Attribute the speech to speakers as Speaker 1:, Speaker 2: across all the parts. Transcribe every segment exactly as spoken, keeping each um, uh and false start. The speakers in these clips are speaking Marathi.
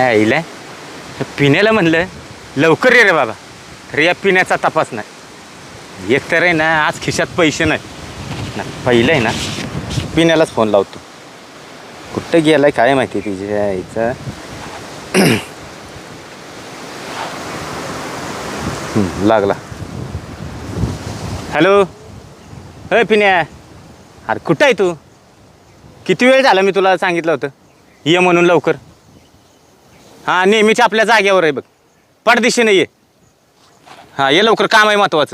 Speaker 1: आईला पिण्याला म्हणलं लवकर ये रे बाबा, तर या पिण्याचा तपास नाही. एक तर आहे ना आज खिशात पैसे नाही ना. पहिलं आहे ना पिण्यालाच फोन लावतो. कुठं गेलाय काय माहिती तिच्या आईचा. लागला. हॅलो. अय पिण्या, अरे कुठं आहे तू? किती वेळ झाला मी तुला सांगितलं होतं ये म्हणून लवकर. हां नेहमीच्या आपल्या जाग्यावर आहे बघ, पडदिशी ये. हां ये लवकर, काम आहे महत्त्वाचं.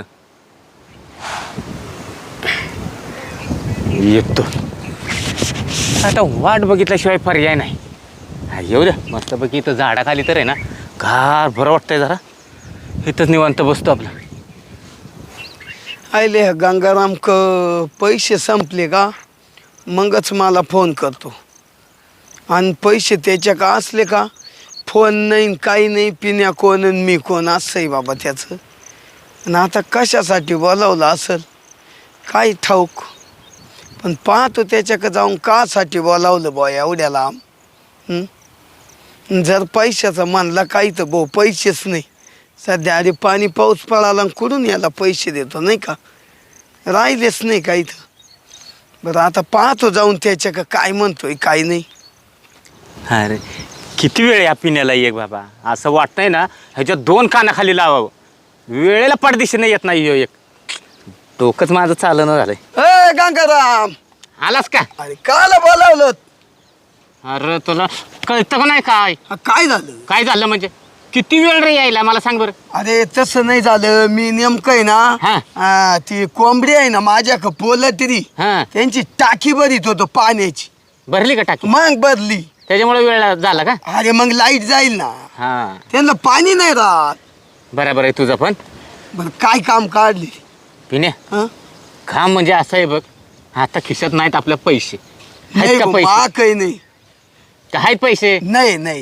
Speaker 1: येतो आता. वाट बघितल्याशिवाय पर्याय नाही. हा येऊ द्या मस्तपैकी. इथं झाडाखाली तर आहे ना गार बरं वाटतंय. जरा इथंच निवांत बसतो आपलं.
Speaker 2: आयले गंगाराम क पैसे संपले का मगच मला फोन करतो. आणि पैसे त्याच्या का असले का फोन नाही काही नाही. पिण्या कोण आणि मी कोण असं आहे बाबा त्याचं. आणि आता कशासाठी बोलावलं असेल काय ठाऊक. पण पाहतो त्याच्याकडे जाऊन कासाठी बोलावलं बॉ एवढ्या लांब. जर पैशाचं म्हणला काही तर भाऊ पैसेच नाही सध्या. अरे पाणी पाऊस पडाला कुठून याला पैसे देतो नाही का. राहिलेच नाही काही तर. बरं आता पाहतो जाऊन त्याच्याकडे काय म्हणतोय काय नाही.
Speaker 1: अरे किती वेळ या पिण्याला एक बाबा. असं वाटतंय ना ह्याच्यात दोन कानाखाली लावावं. वेळेला पडदिशी येत नाही ह्यो एक. डोकंच माझं चालणं झालंय.
Speaker 2: ए गंगाराम
Speaker 1: आलास का?
Speaker 2: अरे काला बोलावलं?
Speaker 1: अरे तुला कळतं का नाही काय
Speaker 2: काय झालं?
Speaker 1: काय झालं म्हणजे किती वेळ रे यायला मला सांग बरं.
Speaker 2: अरे तसं नाही झालं. मी नेमकं आहे
Speaker 1: हा.
Speaker 2: ना आ, ती कोंबडी आहे ना माझ्या पोलटरी
Speaker 1: हा
Speaker 2: त्यांची टाकी भरीत होतो पाण्याची.
Speaker 1: भरली का टाकी?
Speaker 2: मग भरली.
Speaker 1: त्याच्यामुळे वेळ झाला का?
Speaker 2: अरे मग लाईट जाईल ना.
Speaker 1: हा
Speaker 2: त्यांना पाणी नाही राहत.
Speaker 1: बरोबर आहे तुझं. पण
Speaker 2: बरं काय काम काढले?
Speaker 1: पिण्या
Speaker 2: हं?
Speaker 1: काम म्हणजे असं आहे बघ. आता खिशात नाहीत आपल्या पैसे. आहेत
Speaker 2: नाही
Speaker 1: का
Speaker 2: भाऊ,
Speaker 1: पैसे?
Speaker 2: मा काही नाही.
Speaker 1: का आहेत पैसे?
Speaker 2: नाही नाही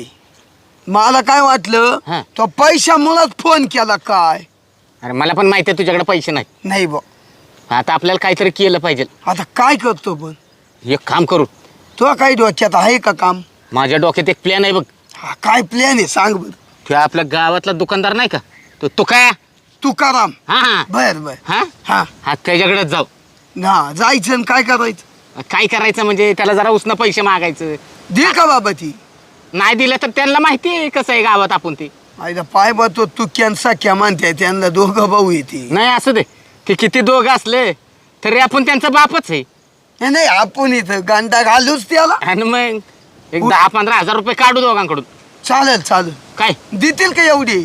Speaker 2: मला काय वाटलं
Speaker 1: हा.
Speaker 2: तो पैशामुळेच फोन केला काय.
Speaker 1: अरे मला पण माहिती आहे तुझ्याकडे पैसे नाही.
Speaker 2: नाही बा.
Speaker 1: आता आपल्याला काहीतरी केलं पाहिजे.
Speaker 2: आता काय करतो पण?
Speaker 1: एक काम करू.
Speaker 2: तो काही डोक्यात आहे का काम?
Speaker 1: माझ्या डोक्यात एक प्लॅन आहे बघ.
Speaker 2: हा काय प्लॅन आहे सांग बरं.
Speaker 1: तो आपल्या गावातला दुकानदार नाही का तो तो काय
Speaker 2: तुकाराम.
Speaker 1: हा हा
Speaker 2: बर बर.
Speaker 1: हा
Speaker 2: हा
Speaker 1: हा त्याच्याकडेच जाऊ.
Speaker 2: ना जायचं आणि काय करायचं?
Speaker 1: काय करायचं म्हणजे त्याला जरा उसनं पैसे मागायचं.
Speaker 2: दे का बाबा ती?
Speaker 1: नाही दिलं तर त्यांना माहिती आहे कसं आहे गावात आपण ते.
Speaker 2: आयदा पाय बा तो तू कॅन्सा क्या म्हणते त्यांना दोघं भाऊ येते.
Speaker 1: नाही असू दे ते किती दोघं असले तरी आपण त्यांचा बापच आहे.
Speaker 2: नाही नाही आपण इथं गांडा घालूच त्याला.
Speaker 1: आणि मग एक दहा पंधरा हजार रुपये काढू दोघांकडून.
Speaker 2: चालेल चालेल.
Speaker 1: काय
Speaker 2: देतील का एवढी?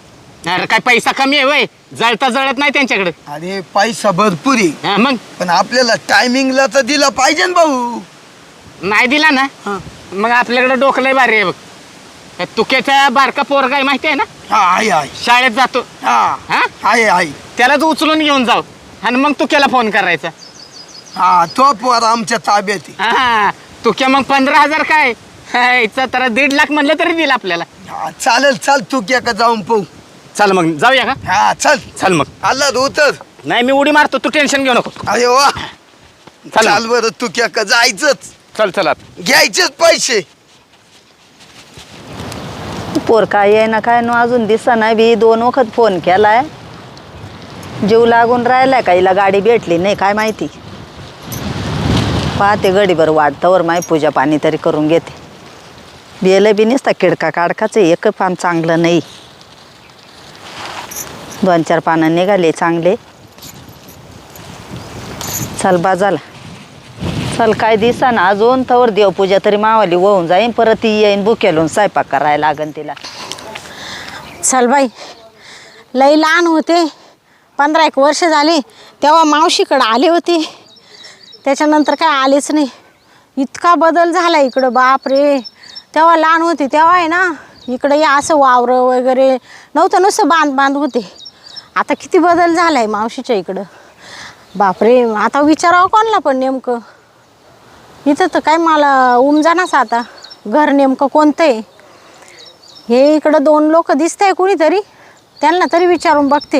Speaker 1: अरे काय पैसा कमी आहे वय. जळता जळत नाही त्यांच्याकडे.
Speaker 2: अरे पैसा भरपूर आहे
Speaker 1: हा मग
Speaker 2: पण आपल्याला टायमिंगला तर दिला पाहिजे ना भाऊ.
Speaker 1: नाही दिला ना
Speaker 2: हा
Speaker 1: मग आपल्याकडे डोकं लय भारी आहे बघ. त्या तुक्याचा बारका पोरगा आहे माहिती आहे ना.
Speaker 2: हा आहे आहे.
Speaker 1: शाळेत जातो.
Speaker 2: हा
Speaker 1: हा
Speaker 2: आहे आहे.
Speaker 1: त्यालाच उचलून घेऊन जाऊ आणि मग तुक्याला फोन करायचा.
Speaker 2: हा तो पोर आमच्या ताब्यात आहे.
Speaker 1: हा तुक्या मग पंधरा हजार काय ह्याचा तर दीड लाख म्हणलं तरी दिलं आपल्याला.
Speaker 2: हा चालेल. चाल तू क्या का जाऊन पाहू.
Speaker 1: चल मग जाऊया का?
Speaker 2: हा चल.
Speaker 1: चल मग.
Speaker 2: आला उतर.
Speaker 1: नाही मी उडी मारतो तू टेन्शन घेऊ नको.
Speaker 2: अरे वा.
Speaker 1: चल
Speaker 2: चाल बरं तू क्या का जायचंच.
Speaker 1: चल चल
Speaker 2: घ्यायचेच पैसे.
Speaker 3: पोर काय आहे ना काय ना अजून दिसा नाही बी. दोन वखत फोन केलाय. जीव लागून राहिलाय का हिला गाडी भेटली नाही काय माहिती. पाहते गडीभर वाटतावर माय पूजा पाणी तरी करून घेते. बेलं बी नसता किडका काडकाचं एक पान चांगलं नाही. दोन चार पानं निघाले चांगले. चल बाजाला चल. काय दिसा ना अजून तवर देवपूजा तरी मावाली होऊन जाईन. परत ती येईन बुकेलून स्वयंपाक करायला लागन तिला.
Speaker 4: चल बाई लई लहान होते. पंधरा एक वर्ष झाली तेव्हा मावशीकडं आले होते. त्याच्यानंतर काय आलेच नाही. इतका बदल झाला इकडं बाप रे. तेव्हा लहान होते तेव्हा आहे ना इकडं या असं वावरं वगैरे नव्हतं. नुसतं बांध बांध होते. आता किती बदल झाला आहे मावशीच्या इकडं बापरे. आता विचारावं कोणला पण नेमकं. इथं तर काय मला उमजानाच आता घर नेमकं कोणतं आहे. हे इकडं दोन लोक दिसत आहे कुणीतरी त्यांना तरी विचारून बघते.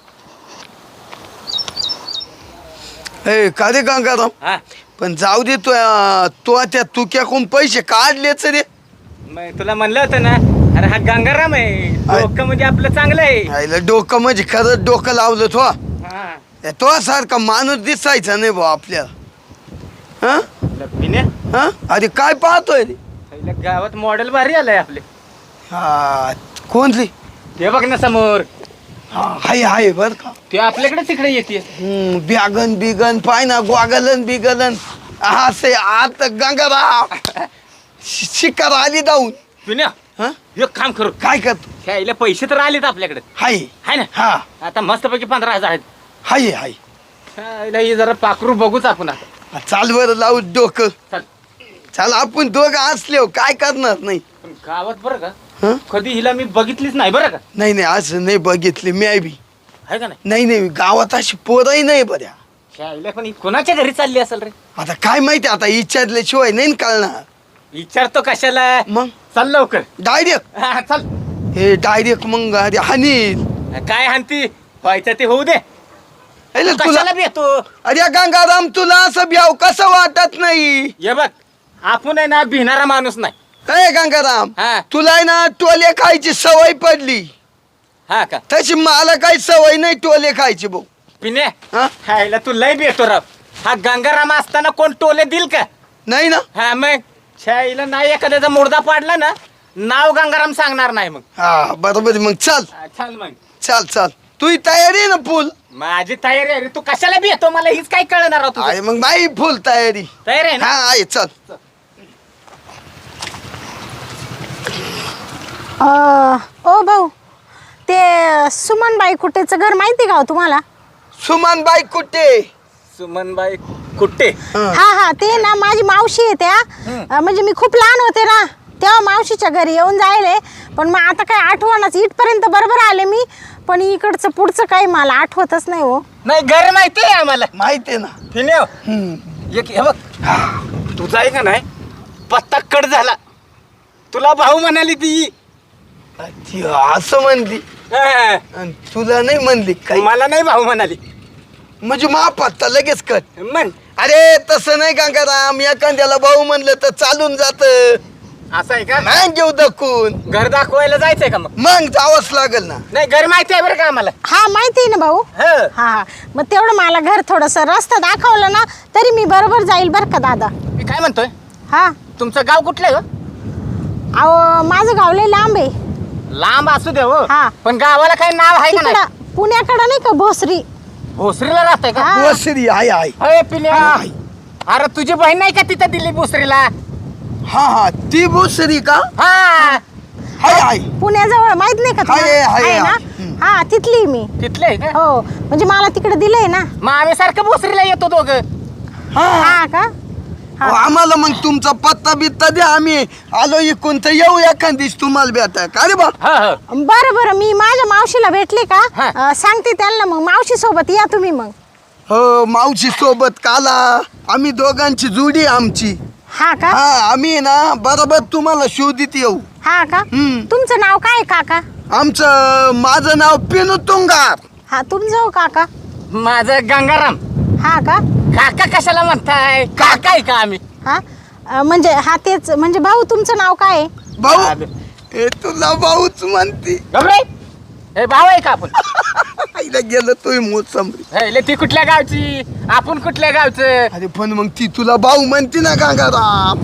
Speaker 2: ए का रे गंगाराम.
Speaker 1: हा
Speaker 2: पण जाऊ दे तो तो त्या तुक्याकून पैसे काढलेच रे.
Speaker 1: मग तुला म्हणलं होतं ना, अरे हा गंगाराम आहे, डोकं म्हणजे आपलं चांगलं आहे.
Speaker 2: आईला डोकं म्हणजे खरंच डोकं लावलं तो
Speaker 1: हा.
Speaker 2: तो सारखा माणूस दिसायचा नाही भाऊ आपल्याला. हा
Speaker 1: पिण्या
Speaker 2: हा अरे काय पाहतोय रे?
Speaker 1: पहिल्या गावात मॉडेल भारी आलंय आपले.
Speaker 2: हा कोणती?
Speaker 1: ते बघ ना समोर,
Speaker 2: हा हाय हाय बर का.
Speaker 1: ते आपल्याकडे तिकडे येते.
Speaker 2: हम्म, ब्यागन बिगन पाय ना ग्वागलन बिगलन असे आत गंगाराम शिकार आली जाऊन.
Speaker 1: पिण्या
Speaker 2: हा
Speaker 1: एक काम करू,
Speaker 2: काय करतो?
Speaker 1: खेळायला पैसे तर आलेत आपल्याकडे,
Speaker 2: हाय
Speaker 1: हाय ना.
Speaker 2: हा
Speaker 1: आता मस्तपैकी पंधरा हजार आहेत.
Speaker 2: हाय हाय
Speaker 1: खेळायला ही जरा पाखरू बघूच आपण आता.
Speaker 2: चाल बरं लावू डोकं.
Speaker 1: चल.
Speaker 2: चाल आपण दोघं असले काय करणार नाही.
Speaker 1: पण गावात बरं का
Speaker 2: हं?
Speaker 1: कधी हिला मी बघितलीच नाही बरं का.
Speaker 2: नाही नाही असं नाही बघितले मी बी.
Speaker 1: आहे का नाही.
Speaker 2: नाही नाही गावात अशी पोरही नाही बऱ्या.
Speaker 1: खेळायला पण ही कोणाच्या घरी चालली असेल रे.
Speaker 2: आता काय माहिती आता विचारल्याशिवाय नाही ना कळणार.
Speaker 1: विचारतो कशाला.
Speaker 2: मग
Speaker 1: चल लवकर.
Speaker 2: डायरेक्ट
Speaker 1: हा, चल.
Speaker 2: हे डायरेक्ट मग अरे हानील.
Speaker 1: काय हानती व्हायचं ते होऊ दे.
Speaker 2: अरे तुला
Speaker 1: कशाला भेटतो.
Speaker 2: अरे गंगाराम तुला असं ब्याव कसं वाटत नाही?
Speaker 1: ये बघ आपण आहे ना भिणारा माणूस नाही.
Speaker 2: अरे गंगाराम
Speaker 1: हा.
Speaker 2: तुला आहे ना टोले खायची सवय पडली,
Speaker 1: हा का
Speaker 2: तशी मला काही सवय नाही टोले खायची भाऊ.
Speaker 1: पिणे.
Speaker 2: हा?
Speaker 1: हायला तू लय भेटतो राव. हा गंगाराम असताना कोण टोले दिल का.
Speaker 2: नाही ना.
Speaker 1: हा मग शाईला नाही एखाद्याचा मुर्दा पाडला ना, नाव गंगाराम सांगणार नाही मग.
Speaker 2: हा बरोबर आहे. मग चाल
Speaker 1: हा, चल मग.
Speaker 2: चाल चाल तुझी तयारी आहे ना फुल?
Speaker 1: माझी तयारी आहे रे. तू कशाला भेटतो मला हीच काय कळणार आहोत.
Speaker 2: आहे मग बाई फुल तयारी.
Speaker 1: तयारी आहे ना.
Speaker 2: हा आहे चल.
Speaker 4: अं, ओ भाऊ, ते सुमनबाई कुटेचं घर माहिती का हो तुम्हाला?
Speaker 2: सुमन बाई कुठे?
Speaker 1: सुमनबाई कुट्टे.
Speaker 4: हा हा ते ना माझी मावशी आहे त्या. अं, म्हणजे मी खूप लहान होते ना तेव्हा मावशीच्या घरी येऊन जायले. पण मग आता काय आठवणच, इथपर्यंत बरोबर आले मी, पण इकडचं पुढचं काही मला आठवतच नाही हो.
Speaker 1: नाही घर माहिती आहे आम्हाला.
Speaker 2: माहिती आहे ना.
Speaker 1: पिणे
Speaker 2: हम्म.
Speaker 1: एक हे बघ तुझा आहे का नाही पत्ता कट झाला. तुला भाऊ म्हणाली ती.
Speaker 2: ती असं म्हणली
Speaker 1: हा.
Speaker 2: आणि तुला नाही म्हणली काही?
Speaker 1: मला नाही भाऊ म्हणाली.
Speaker 2: म्हणजे मा पत्ता लगेच कट.
Speaker 1: म्हण
Speaker 2: अरे तसं नाही गंगाराम, एखाद्याला भाऊ म्हणलं तर चालून जात.
Speaker 1: असं आहे का.
Speaker 2: नाही घेऊ दखून
Speaker 1: घर दाखवायला जायचंय का मग.
Speaker 2: मग जावंच लागेल ना.
Speaker 1: नाही घर माहिती आहे बरं का आम्हाला.
Speaker 4: हा माहिती आहे ना भाऊ.
Speaker 1: हा.
Speaker 4: हा हा मग तेवढं मला घर थोडंसं रस्ता दाखवलं ना तरी मी बरोबर जाईल बरं का दादा.
Speaker 1: मी काय म्हणतोय,
Speaker 4: हा
Speaker 1: तुमचं गाव कुठलं आहे हो?
Speaker 4: अहो माझं गाव लय लांब आहे.
Speaker 1: लांब असू दे हो,
Speaker 4: हा.
Speaker 1: पण गावाला काही नाव आहे का नाही.
Speaker 4: तिकडं पुण्याकडं नाही का भोसरी.
Speaker 1: भोसरीला राहतंय का.
Speaker 4: हा.
Speaker 2: वसरी आहे आहे.
Speaker 1: अरे पिल्या,
Speaker 2: आहे.
Speaker 1: अरे तुझी बहीण नाही का तिथं दिली भोसरीला.
Speaker 2: हा हा ती भोसरी का?
Speaker 1: हा
Speaker 2: हाय हाय.
Speaker 4: पुण्याजवळ माहित नाही का
Speaker 2: आहे,
Speaker 4: तुम्हाला?
Speaker 2: आहे,
Speaker 4: आहे ना.
Speaker 2: आहे.
Speaker 4: हा तिथली मी.
Speaker 1: तिथलं आहे का.
Speaker 4: हो म्हणजे मला तिकडे दिलंय ना.
Speaker 1: मग आम्ही सारखं भोसरीला येतो दोघं.
Speaker 2: हा
Speaker 4: हा का.
Speaker 2: अहो, आम्हाला मग तुमचा पत्ता बित्ता द्या, आम्ही आलो इकून तर येऊ एखाद तुम्हाला भेटा का रे बा.
Speaker 1: हा हा.
Speaker 4: बरं बरं मी माझ्या मावशीला भेटले का
Speaker 1: हा.
Speaker 4: अं, सांगते त्यांना मग मावशी सोबत या तुम्ही मग.
Speaker 2: हो मावशी सोबत काला, आम्ही दोघांची जोडी आमची.
Speaker 4: हा का.
Speaker 2: हा आम्ही ना बरोबर तुम्हाला शोधित येऊ.
Speaker 4: हा का.
Speaker 2: हम्म.
Speaker 4: तुमचं नाव काय काका?
Speaker 2: आमचं माझं नाव पिनू तुंगार.
Speaker 4: हा तुमचं हो काका.
Speaker 1: माझं गंगाराम.
Speaker 4: हा का.
Speaker 1: काका कशाला म्हणताय, काका आहे का आम्ही.
Speaker 4: हा अं, म्हणजे हा तेच म्हणजे भाऊ तुमचं नाव काय आहे?
Speaker 2: भाऊ हे तुला भाऊच म्हणते.
Speaker 1: गबरे, हे भाऊ आहे का आपण.
Speaker 2: आईला गेलं तोय मोसंबरी.
Speaker 1: हे, ले ती कुठल्या गावची, आपण कुठल्या गावचं.
Speaker 2: अरे पण मग ती तुला भाऊ म्हणते ना गंगाराम.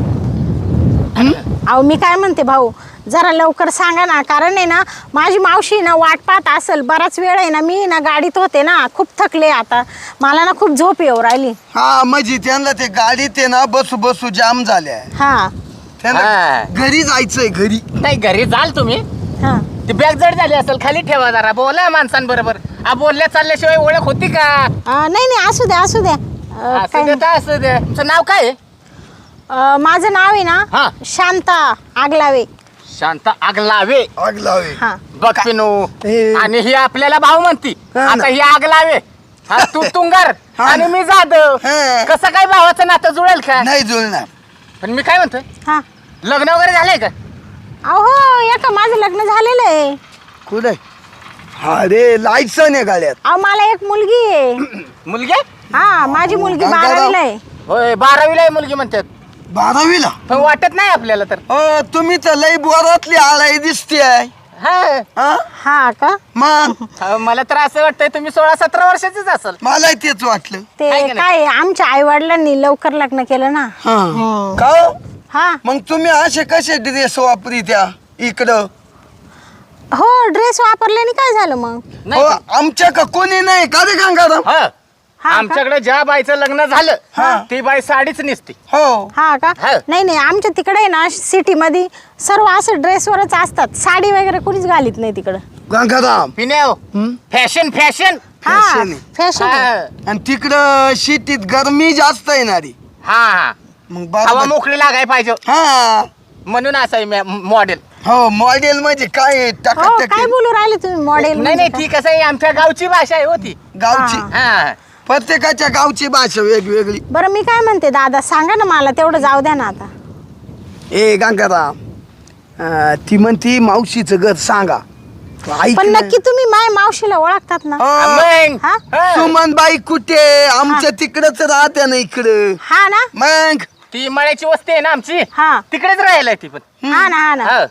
Speaker 4: अहो मी काय म्हणते भाऊ, जरा लवकर सांगा ना, कारण आहे ना माझी मावशी ना वाट पाहत असेल बराच वेळ आहे ना. मी ना गाडीत होते ना, खूप थकले आता, मला ना खूप झोप येऊ राहिली.
Speaker 2: हा म्हणजे त्यांना ते गाडीत आहे ना बसू बसू जाम झाल्या.
Speaker 4: हा
Speaker 2: त्यांना
Speaker 1: हा.
Speaker 2: घरी जायचंय घरी.
Speaker 1: नाही घरी जाल तुम्ही.
Speaker 4: हा
Speaker 1: ती बॅग जड झाली असेल, खाली ठेवा जरा, बोला माणसांबरोबर. आ बोलल्या चालल्याशिवाय ओळख होती का.
Speaker 4: अं, नाही नाही असू द्या असू द्या. अं,
Speaker 1: असं
Speaker 4: काय
Speaker 1: दे तर असं दे. तुमचं नाव काय आहे.
Speaker 4: अं, माझं नाव आहे
Speaker 1: हा.
Speaker 4: ना शांता आगलावे.
Speaker 1: शांता आगलावे.
Speaker 2: आग लावे.
Speaker 4: हा
Speaker 1: बघ पिनू,
Speaker 2: हे.
Speaker 1: आणि ही आपल्याला भाऊ म्हणती.
Speaker 2: हा ना.
Speaker 1: आता ही आगलावे, हा तू तुंगार
Speaker 2: हा
Speaker 1: आणि
Speaker 2: ना.
Speaker 1: मी जाधव.
Speaker 2: हा.
Speaker 1: कसं काय भावाचं नातं जुळेल का.
Speaker 2: नाही जुळणार.
Speaker 1: पण मी काय म्हणतोय,
Speaker 4: हा
Speaker 1: लग्न वगैरे झालंय का.
Speaker 4: अहो एका माझं लग्न झालेलं आहे.
Speaker 2: कुठे? अरे लायसन आहे गाड्यात.
Speaker 4: अहो मला एक मुलगी आहे.
Speaker 1: मुलगी.
Speaker 4: हा माझी मुलगी
Speaker 2: गंगाराम.
Speaker 4: बारावीला आहे.
Speaker 1: होय बारावीला आहे मुलगी म्हणतात.
Speaker 2: बारावीला
Speaker 1: पण वाटत नाही आपल्याला तर.
Speaker 2: अ, तुम्ही तर लई बोरातली आळाई दिसते आहे
Speaker 1: हा.
Speaker 2: हा?
Speaker 4: हा का
Speaker 2: मग
Speaker 1: अहो, मला तर असं वाटतंय तुम्ही सोळा सतरा वर्षाचीच असाल.
Speaker 2: मला तेच वाटलं.
Speaker 4: ते
Speaker 1: आहे का नाही?
Speaker 4: काय आमच्या आई वडिलांनी लवकर लग्न केलं ना.
Speaker 2: हा
Speaker 4: हम्म.
Speaker 2: का हो?
Speaker 4: हा
Speaker 2: मग तुम्ही असे कसे ड्रेस वापरी त्या इकडं
Speaker 4: हो ड्रेस वापरल्याने काय झालं मग?
Speaker 1: नाही
Speaker 2: हो
Speaker 1: का?
Speaker 2: आमच्या का कोणी नाही का रे गंगाराम?
Speaker 1: हा.
Speaker 4: हा का?
Speaker 1: आमच्याकडे ज्या बाईचं लग्न झालं
Speaker 2: हा.
Speaker 1: ती बाई साडीच नेसते.
Speaker 2: हो
Speaker 4: हा का
Speaker 1: हा.
Speaker 4: नाही नाही आमच्या तिकडे आहे ना सिटी मध्ये सर्व असं ड्रेसवरच असतात, साडी वगैरे कोणीच घालीत नाही तिकडं.
Speaker 2: गंगाराम
Speaker 1: पिण्याव
Speaker 2: हम्म?
Speaker 1: Fashion fashion.
Speaker 4: हा
Speaker 2: Fashion आहे.
Speaker 4: फॅशन
Speaker 1: हा
Speaker 2: आणि तिकडं शेतीत गरमी जास्त येणारी
Speaker 1: हा.
Speaker 2: मग
Speaker 1: हवा
Speaker 2: बरोबर
Speaker 1: मोकळी लागाय पाहिजे
Speaker 2: हा
Speaker 1: म्हणून असं आहे मॉडेल.
Speaker 2: हो मॉडेल म्हणजे काय
Speaker 4: हो
Speaker 2: टाकाटक
Speaker 4: काय बोलू राहिले तुम्ही मॉडेल?
Speaker 1: नाही नाही ती कसं आहे आमच्या गावची भाषा आहे होती.
Speaker 2: गावची
Speaker 4: हा.
Speaker 1: हा.
Speaker 2: प्रत्येकाच्या गावची भाषा वेगवेगळी.
Speaker 4: बरं मी काय म्हणते दादा, सांगा ना मला तेवढं, जाऊ द्या ना आता.
Speaker 2: ए गंगाराम अं, ती म्हणती मावशीचं घर सांगा. ऐक
Speaker 4: पण
Speaker 2: ना.
Speaker 4: नक्की तुम्ही माय मावशीला ओळखतात ना?
Speaker 2: हो,
Speaker 1: मग
Speaker 4: हा?
Speaker 1: हा.
Speaker 2: सुमनबाई कुठे? आमच्या तिकडच राहत्या ना इकडं.
Speaker 4: हा ना
Speaker 2: मग
Speaker 1: ती मळ्याची वस्ती आहे ना आमची,
Speaker 4: हा
Speaker 1: तिकडेच राहिलाय ती पण.
Speaker 4: हा ना हा ना
Speaker 1: हा.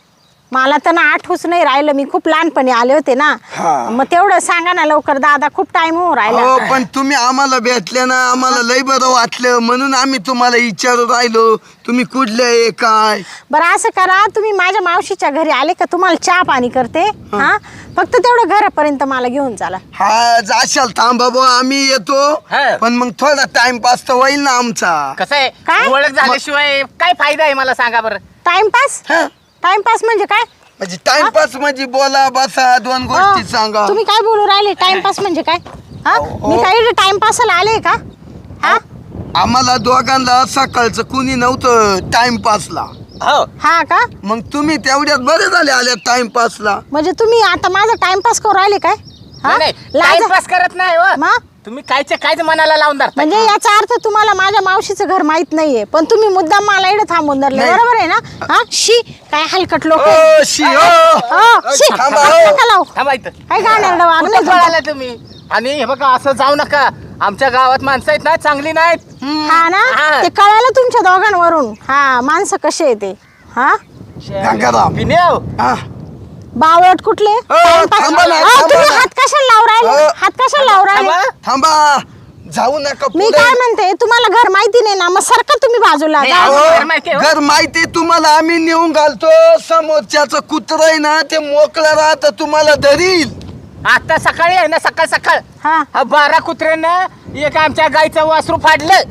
Speaker 4: मला तर ना आठवूच नाही राहिलं, मी खूप लहानपणी आले होते ना.
Speaker 2: हा.
Speaker 4: मग तेवढं सांगा ना लवकर दादा, खूप टाइम हो
Speaker 2: हो
Speaker 4: राहिला.
Speaker 2: पण तुम्ही आम्हाला भेटले ना, आम्हाला लय बरं वाटलं म्हणून आम्ही तुम्हाला विचारत राहिलो तुम्ही कुठले आहे काय.
Speaker 4: बरं असं करा, तुम्ही माझ्या मावशीच्या घरी आले का तुम्हाला चहा पाणी करते. हा फक्त तेवढं घरापर्यंत मला घेऊन चला.
Speaker 2: हा जाशाल थांबा बुवा, आम्ही येतो.
Speaker 1: हा.
Speaker 2: पण मग थोडा टाइमपास तर होईल ना आमचा.
Speaker 1: कसं आहे
Speaker 4: काय?
Speaker 1: ओळख झाल्याशिवाय काय फायदा आहे मला सांगा बरं.
Speaker 4: टाइमपास?
Speaker 2: हा.
Speaker 4: टाइमपास म्हणजे काय?
Speaker 2: म्हणजे टाइमपास म्हणजे बोला बसा दोन गोष्टी
Speaker 4: हो,
Speaker 2: सांगा.
Speaker 4: तुम्ही काय बोलू राहिले? टाइमपास म्हणजे काय? हा
Speaker 2: हो.
Speaker 4: मी काही टाइमपासला आले का? हा
Speaker 2: आम्हाला दोघांना सकाळचं कुणी नव्हतं टाइमपासला.
Speaker 1: हो.
Speaker 4: हा का
Speaker 2: मग तुम्ही तेवढ्यात बरे झाले आल्या टाइमपासला.
Speaker 4: म्हणजे तुम्ही आता माझा टाइमपास करू राहिले काय? हा?
Speaker 1: नाही
Speaker 4: लाज-
Speaker 1: टाइमपास करत नाही हो.
Speaker 4: मग?
Speaker 1: तुम्ही कायचे कायच मनाला लावून धरताय.
Speaker 4: म्हणजे याचा अर्थ तुम्हाला माझ्या मावशीचं घर माहित नाहीये, पण तुम्ही मुद्दाम मला इकडे थांबून धरले,
Speaker 2: नाही.
Speaker 4: बरोबर आहे ना? हा शी काय हलकट लोक.
Speaker 2: ओ शी ओ. थांबा, हो.
Speaker 1: थांबा इथं.
Speaker 4: काय गाण्याला
Speaker 1: कुठं
Speaker 4: वागणं
Speaker 1: पळाला तुम्ही? आणि हे बघा असं जाऊ नका, आमच्या गावात माणसं आहेत ना चांगली नाहीत.
Speaker 4: हा ना
Speaker 1: हा.
Speaker 4: ते कळालं तुमच्या दोघांवरून. हा माणसं कसे येते. हा
Speaker 2: गंगाराम.
Speaker 1: पिण्याव.
Speaker 2: हा.
Speaker 4: बावळट कुठले? टाइमपास-
Speaker 2: थांबा ना,
Speaker 4: अहो,
Speaker 2: थांबा
Speaker 4: तुम्ही
Speaker 2: ना.
Speaker 4: हात कशाला लावून राहिले?
Speaker 2: अहो.
Speaker 4: हात कशाला लावून राहिले?
Speaker 1: थांबा.
Speaker 2: थांबा जाऊ नका
Speaker 4: मी
Speaker 2: पुढे.
Speaker 4: काय म्हणते, तुम्हाला घर माहिती नाही ना, मग सरका तुम्ही बाजूला.
Speaker 1: नाही,
Speaker 4: जा.
Speaker 1: अहो.
Speaker 2: अहो,
Speaker 1: घर माहिती आहे, हो.
Speaker 2: घर माहिती तुम्हाला आम्ही नेऊन घालतो. समोरच्याचं कुत्र आहे ना ते मोकळं राहत तुम्हाला धरील.
Speaker 1: आता सकाळी आहे ना, सकाळ सकाळ
Speaker 4: हा
Speaker 1: हा बारा कुत्र्यानं एक आमच्या गाईचं वासरू फाडलं.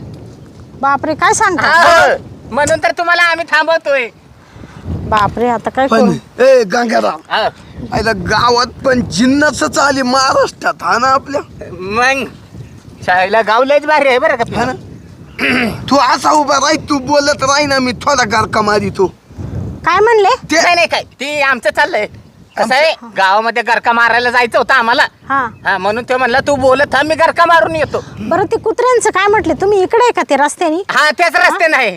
Speaker 4: बापरे काय सांगता?
Speaker 1: हा. म्हणून तर तुम्हाला आम्ही थांबवतोय.
Speaker 4: बापरे आता काय
Speaker 2: पण
Speaker 4: करू?
Speaker 2: ए गंगाराम
Speaker 1: हा.
Speaker 2: आयला गावात पण जिन्नसच आली महाराष्ट्रात हा ना आपल्या.
Speaker 1: मग शाळेला गाव लयच भारी आहे बरं
Speaker 2: हा ना
Speaker 1: का.
Speaker 2: तू असा उभा राही, तू बोलत राही ना, मी थोडा गारका मारी तू
Speaker 4: काय म्हणले?
Speaker 2: ते
Speaker 1: नाही नाही काय ती आमचं चाललंय कसं आहे, गावामध्ये गरका मारायला जायचं होतं आम्हाला.
Speaker 4: हा
Speaker 1: हा म्हणून ते म्हणलं तू बोलत हा मी गरका मारून येतो.
Speaker 4: बरं ते कुत्र्यांचं काय म्हटले तुम्ही? इकडे आहे का ते रस्त्यानी?
Speaker 1: हा तेच रस्ते नाही.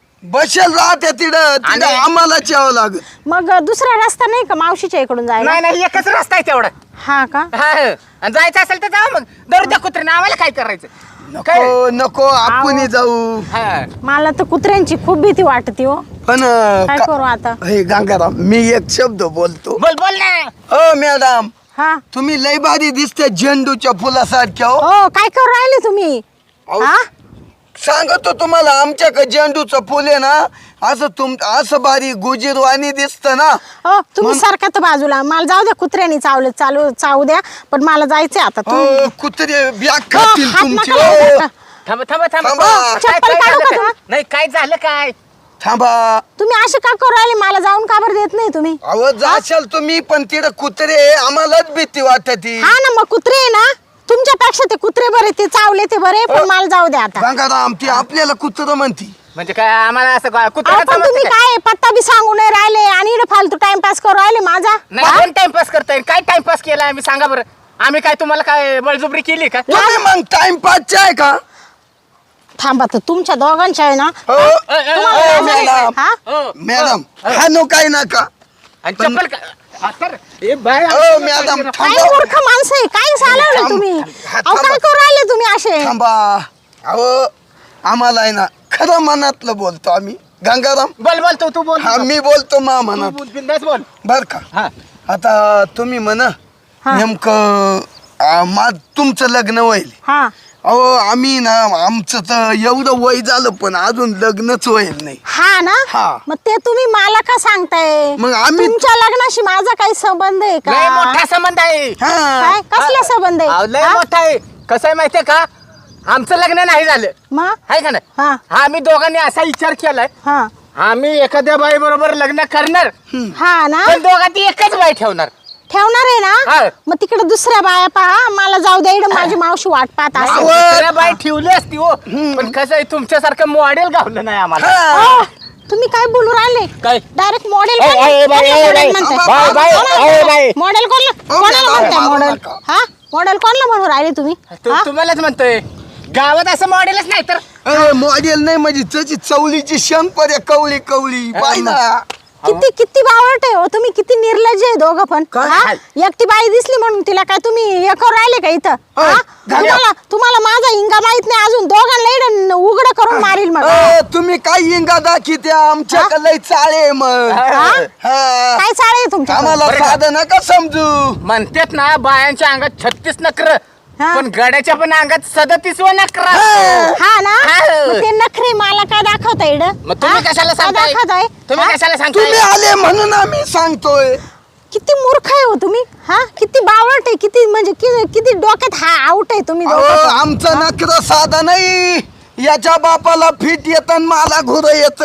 Speaker 2: बसेल राहत्या तिथं तिथं
Speaker 1: आणि-
Speaker 2: आम्हाला यावं लागत.
Speaker 4: मग दुसरा रस्ता नाही का मावशीच्या इकडून जायला?
Speaker 1: नाही नाही एकच रस्ता आहे तेवढा.
Speaker 4: हा का?
Speaker 1: हा आणि जायचं असेल तर जाऊ मग दर त्या कुत्र्यानं आम्हाला काय करायचं. काय
Speaker 2: नको नको आपण जाऊ.
Speaker 1: हा.
Speaker 4: मला तर कुत्र्यांची खूप भीती वाटते हो.
Speaker 2: पण
Speaker 4: काय
Speaker 2: का-
Speaker 4: करू आता?
Speaker 2: हे गंगाराम मी एक शब्द बोलतो.
Speaker 1: बोल बोल ना.
Speaker 2: हो मॅडम
Speaker 4: हा
Speaker 2: तुम्ही लय भारी दिसते झेंडूच्या फुलासारख्या. हो
Speaker 4: हो काय करू राहिले तुम्ही?
Speaker 2: अहो,
Speaker 4: हा
Speaker 2: सांगतो तुम्हाला आमच्याकडे झेंडूचं फुल आहे ना असं तुम असं भारी गुजीरवाणी दिसत ना.
Speaker 4: हो तुम्ही सारखा तर बाजूला, मला जाऊ द्या, कुत्र्यांनी चावलं चालू चावू द्या, पण मला जायचंय आता. तुम्ही
Speaker 2: हो कुत्रे बॅग
Speaker 4: हो,
Speaker 2: खातील
Speaker 4: हात
Speaker 2: तुमची.
Speaker 4: नका लावू
Speaker 2: हो.
Speaker 4: नका.
Speaker 1: थांबा थांबा थांबा.
Speaker 2: थांबा.
Speaker 1: काय-
Speaker 4: चप्पल
Speaker 1: काय
Speaker 4: काढू
Speaker 1: झालं
Speaker 4: का
Speaker 1: काय?
Speaker 4: तुला?
Speaker 1: नाही काय झालं काय.
Speaker 2: थांबा.
Speaker 4: तुम्ही असे का करू राहिले? मला जाऊन का बरं देत नाही तुम्ही?
Speaker 2: अहो जाशाल तुम्ही पण तिथं कुत्रे आम्हालाच भीती वाटती.
Speaker 4: हा ना, मग कुत्रे आहे ना, तुमच्यापेक्षा ते कुत्रे बरे, ते चावले ते बरे, पण मला जाऊ द्या आता.
Speaker 2: गंगाराम ती आपल्याला कुत्र म्हणती.
Speaker 1: म्हणजे काय आम्हाला असं
Speaker 4: अहो,
Speaker 1: कुत्र्याला
Speaker 4: पण तुम्ही
Speaker 1: समजतं काय?
Speaker 4: काय पत्ता बी सांगू नाही राहिले आणि इकडे फालतू टाइमपास करू राहिले माझा.
Speaker 1: नाही कोण टाइमपास करताय? काय टाइमपास केला आम्ही सांगा बरं. आम्ही काय तुम्हाला काय बळजुबरी केली का?
Speaker 2: तुम्ही मग टाइमपासचे आहे का?
Speaker 4: थांबा तर तुमच्या दोघांच्या आहे ना.
Speaker 2: हो
Speaker 1: अ, अ,
Speaker 4: तुम्हाला
Speaker 2: अ,
Speaker 4: लाज आहे?
Speaker 2: मॅडम
Speaker 4: हा?
Speaker 1: हो,
Speaker 2: मॅडम
Speaker 1: हो.
Speaker 2: हा नो काय नका.
Speaker 1: आणि चप्पल का- हा, तर, ए, बाय,
Speaker 2: हो मॅडम
Speaker 4: काय
Speaker 2: थांबा.
Speaker 4: मूर्ख माणसं आहे, काय चालवलं
Speaker 2: थांब.
Speaker 4: तुम्ही?
Speaker 2: हा,
Speaker 4: अहो
Speaker 2: थांबा.
Speaker 4: काय करू राहिले तुम्ही असे?
Speaker 2: थांबा. अहो आम्हाला आहे ना खरं मनातलं बोलतो आम्ही. गंगाराम
Speaker 1: बोल बोल तू तू बोल
Speaker 2: हा मी बोलतो मा मनात
Speaker 1: बोल बिंदास बोल
Speaker 2: बर का.
Speaker 1: हा
Speaker 2: आता तुम्ही म्हणा
Speaker 4: हा.
Speaker 2: नेमकं आ, मा तुमचं लग्न होईल.
Speaker 4: हा
Speaker 2: अहो आम्ही ना आमचं तर एवढं वय झालं पण अजून लग्नच होईल नाही.
Speaker 4: हा ना
Speaker 2: हा.
Speaker 4: मग ते तुम्ही मला का सांगताय?
Speaker 2: मग आम्ही-
Speaker 4: तुमच्या लग्नाशी माझा काही संबंध आहे
Speaker 1: लय
Speaker 4: का?
Speaker 1: मोठा संबंध आहे
Speaker 2: हा
Speaker 4: काय कसला संबंध
Speaker 1: अहो,
Speaker 4: आहे
Speaker 1: लय
Speaker 4: हा?
Speaker 1: मोठा आहे. कसं आहे माहितीये का आमचं लग्न नाही झालं
Speaker 4: मग
Speaker 1: आहे का नाही
Speaker 4: हा
Speaker 1: आम्ही दोघांनी असा विचार केलाय
Speaker 4: हा
Speaker 1: आम्ही एखाद्या बाई बरोबर लग्न करणार
Speaker 4: हा ना
Speaker 1: पण दोघांची एकच बाई ठेवणार.
Speaker 4: ठेवणार आहे
Speaker 1: हा.
Speaker 4: ना मग तिकडे दुसऱ्या बाया पहा मला जाऊ द्या इकडं माझी मावशी वाट पाहत
Speaker 1: नाही,
Speaker 4: असेल.
Speaker 1: दुसऱ्या बाई ठेवली असती हो पण कसं आहे तुमच्यासारखं मॉडेल गावलं नाही आम्हाला.
Speaker 2: हा.
Speaker 4: ओ, तुम्ही काय बोलू राहिले
Speaker 1: काय?
Speaker 4: डायरेक्ट मॉडेल
Speaker 1: ए, ए, बाई, ए, बाई, बाई, बाई, ए, बाई.
Speaker 4: मॉडेल कोणला
Speaker 2: ओ,
Speaker 4: कोणाला
Speaker 2: मॅडम,
Speaker 4: म्हणताय
Speaker 2: मारू
Speaker 4: मॉडेल
Speaker 2: नका.
Speaker 4: हा मॉडेल कोणला म्हणून राहिले तुम्ही
Speaker 1: तू
Speaker 4: हा?
Speaker 1: तुम्हालाच म्हणतोय गावात असं मॉडेलच नाही तर
Speaker 2: अरे मॉडेल नाही म्हणजे त्याची चवलीची शंपर आहे कवळी कवळी बाई ना.
Speaker 4: किती किती बावट आहे हो तुम्ही किती निर्लज्ज आहे दोघं पण
Speaker 2: काय?
Speaker 4: हा? एकटी बाई दिसली म्हणून तिला काय तुम्ही हे करून राहिले का इथं
Speaker 2: ओय,
Speaker 4: हा?
Speaker 2: झालं.
Speaker 4: तुम्हाला तुम्हाला माझा इंगा माहित नाही अजून दोघांना इकडं उघड करून मारील मग
Speaker 2: अ, तुम्ही काय इंगा दाखी आमच्याकडे लय चाळे मग
Speaker 1: हा?
Speaker 2: हा.
Speaker 4: काय चाळ आहे तुमच्या
Speaker 2: आम्हाला
Speaker 1: बरं का?
Speaker 2: साधं नका समजू.
Speaker 1: म्हणतात ना बायांच्या अंगात छत्तीस नकर
Speaker 4: हा.
Speaker 1: पण गड्याच्या पण अंगात सदतीस व नकर
Speaker 4: हा ना
Speaker 1: हा.
Speaker 4: मग ते नखरे मला काय दाखवताय इकडं?
Speaker 1: मग तुम्ही
Speaker 4: हा?
Speaker 1: कशाला
Speaker 4: काय
Speaker 1: सांगताय
Speaker 4: दाखवताय
Speaker 1: तुम्ही
Speaker 4: हा?
Speaker 1: कशाला
Speaker 2: तुम्ही
Speaker 1: सांगताय
Speaker 2: आले म्हणून आम्ही सांगतोय.
Speaker 4: किती मूर्ख आहे हो तुम्ही हा किती बावट आहे किती म्हणजे कि- किती डोक्यात हा आउट आहे तुम्ही
Speaker 2: अहो,
Speaker 4: दोघं पण.
Speaker 2: आमचं नखर साधा नाही. याच्या बापाला फिट येत मला घोर येत